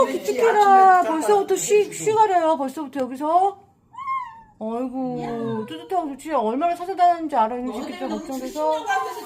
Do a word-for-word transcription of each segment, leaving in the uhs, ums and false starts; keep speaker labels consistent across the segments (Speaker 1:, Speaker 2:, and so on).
Speaker 1: 아이고 기특해라. 벌써부터 쉬, 쉬가려요. 벌써부터 여기서. 아이고 뜨뜻하고 좋지. 얼마나 찾아다니는지 알아. 이 새끼들 걱정돼서.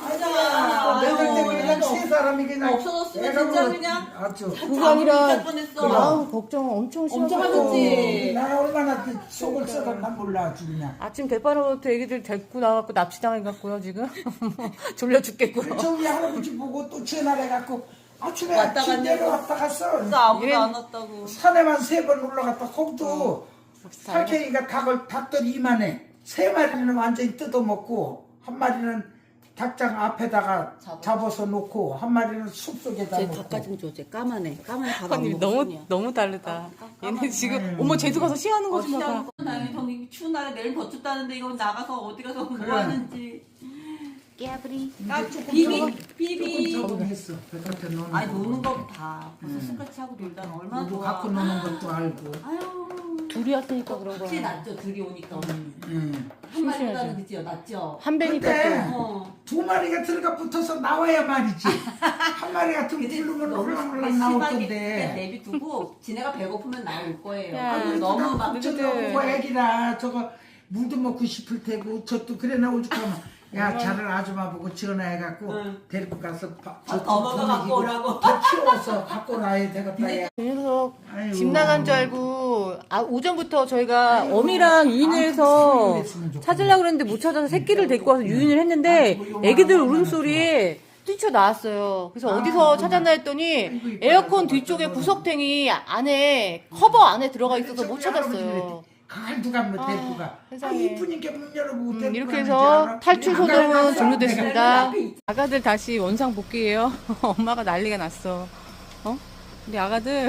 Speaker 2: 내가 때문에 그냥 세 사람이 그냥
Speaker 3: 없어졌으면 진짜 그냥
Speaker 2: 아주
Speaker 1: 그게 아니라
Speaker 3: 뻔했어.
Speaker 1: 아우 걱정 엄청 심하고.
Speaker 3: 엄청 하셨지.
Speaker 2: 나 얼마나 그 속을 썩었나 몰라 아주 그냥.
Speaker 1: 아침 대바로부터 애기들 데리고 나와갖고 납치당해갖고요 지금. 졸려 죽겠고요.
Speaker 2: 저기 할아버지 보고 또 전화해갖고 아침에
Speaker 3: 왔다
Speaker 2: 아침
Speaker 3: 갔냐고.
Speaker 2: 내려왔다 갔어.
Speaker 3: 진짜 아무도 안 왔다고.
Speaker 2: 산에만 세 번 올라갔다 거기도 살쾡이가 닭을 닭들 이만해. 세 마리는 완전히 뜯어먹고 한 마리는 닭장 앞에다가
Speaker 3: 잡아.
Speaker 2: 잡아서 놓고 한 마리는 숲속에다
Speaker 3: 쟤
Speaker 2: 놓고.
Speaker 3: 닭가 좀 줘. 쟤 까만해. 까만 닭 안
Speaker 1: 아니
Speaker 3: 먹어.
Speaker 1: 너무
Speaker 3: 손이야.
Speaker 1: 너무 다르다. 얘네
Speaker 3: 까만-
Speaker 1: 지금 어머 제주 가서 시하는 거
Speaker 3: 어,
Speaker 1: 좀 봐봐.
Speaker 3: 시작하는 건 당연히 저는 추운 날에 내일 더 춥다는데 이건 나가서 어디 가서 뭐
Speaker 2: 그래.
Speaker 3: 하는지. 깨브리. 까
Speaker 2: 조금
Speaker 3: 비비.
Speaker 2: 조금
Speaker 3: 비비.
Speaker 2: 적응했어. 백한테 노는
Speaker 3: 아니
Speaker 2: 거.
Speaker 3: 노는 거 다. 벌써 스크래치 하고 놀다 얼마나
Speaker 2: 누구
Speaker 3: 좋아.
Speaker 2: 갖고 노는 것도 알고.
Speaker 3: 아유.
Speaker 1: 둘이 왔으니까 그런
Speaker 3: 확실히
Speaker 1: 거야.
Speaker 3: 낫죠. 둘이 오니까.
Speaker 2: 응.
Speaker 3: 한 마리보다는 그지요. 낫죠.
Speaker 1: 한 배니까
Speaker 2: 근데
Speaker 1: 또.
Speaker 3: 어.
Speaker 2: 두 마리가 들어가 붙어서 나와야 말이지. 한 마리 같은 거 부르면 올랑올랑 나올 건데.
Speaker 3: 내비 두고 지네가 배고프면 나올 거예요.
Speaker 1: 야,
Speaker 3: 아유, 너무 막
Speaker 1: 너희들.
Speaker 2: 저거 애기라 저거 물도 먹고 싶을 테고 저도 그래 나 오죽하면 야 자를 아줌마 보고 전화해갖고
Speaker 3: 응.
Speaker 2: 데리고 가서 바,
Speaker 3: 아, 넘어가 갖고 오라고.
Speaker 2: 더 키워서 갖고 나야 되겠다. 야.
Speaker 1: 이 녀석
Speaker 2: 아이고.
Speaker 1: 집 나간 줄 알고 아, 오전부터 저희가 어미랑 유인을 해서
Speaker 2: 아무튼 수유를 했으면
Speaker 1: 찾으려고 그랬는데 못 찾아서 새끼를 데리고 와서 유인을 했는데 애기들 울음소리에 뛰쳐나왔어요. 그래서 어디서 찾았나 했더니 에어컨 뒤쪽에 구석탱이 안에 커버 안에 들어가 있어서 못 찾았어요.
Speaker 2: 그걸 누가 뭐 데리고 가. 아,
Speaker 1: 세상에.
Speaker 2: 이쁘니까 문 열어보고
Speaker 1: 음,
Speaker 2: 데리고
Speaker 1: 이렇게
Speaker 2: 가는지
Speaker 1: 해서
Speaker 2: 알아?
Speaker 1: 탈출
Speaker 2: 안
Speaker 1: 소동은
Speaker 2: 가려놨어.
Speaker 1: 종료됐습니다. 아가들 다시 원상 복귀해요. 엄마가 난리가 났어. 어? 우리 아가들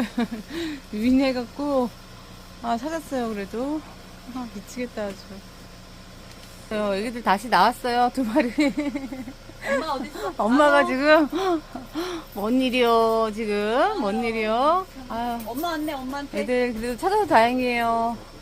Speaker 1: 유인해갖고 아 찾았어요. 그래도 아 미치겠다 아주. 어, 애기들 다시 나왔어요. 두 마리.
Speaker 3: 엄마 어디 있어?
Speaker 1: 엄마가 지금 뭔 일이요 지금 뭔 일이요. 아유
Speaker 3: 엄마 왔네 엄마한테.
Speaker 1: 애들 그래도 찾아서 다행이에요.